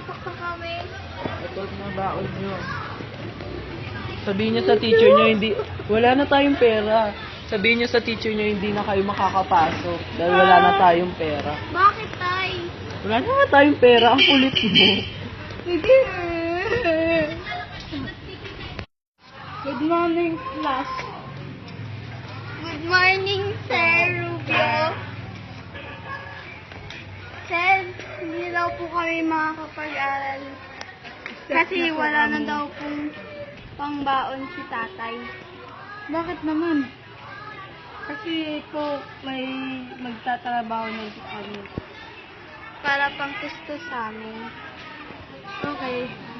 Papasok na kami. Ito na baon nyo. Sabihin nyo sa teacher nyo, hindi, wala na tayong pera. Sabihin nyo sa teacher nyo, hindi na kayo makakapasok. Dahil wala na tayong pera. Bakit, Tay? Wala na nga tayong pera. Ang kulit mo. Hindi. Good morning, class. Good morning, Sir Rubio. Sir, hindi daw po kami makakapag-aral. Kasi wala na daw pong pangbaon si tatay. Bakit naman? Kasi po may magtatrabaho na kami. Para pang gusto sa amin. Okay.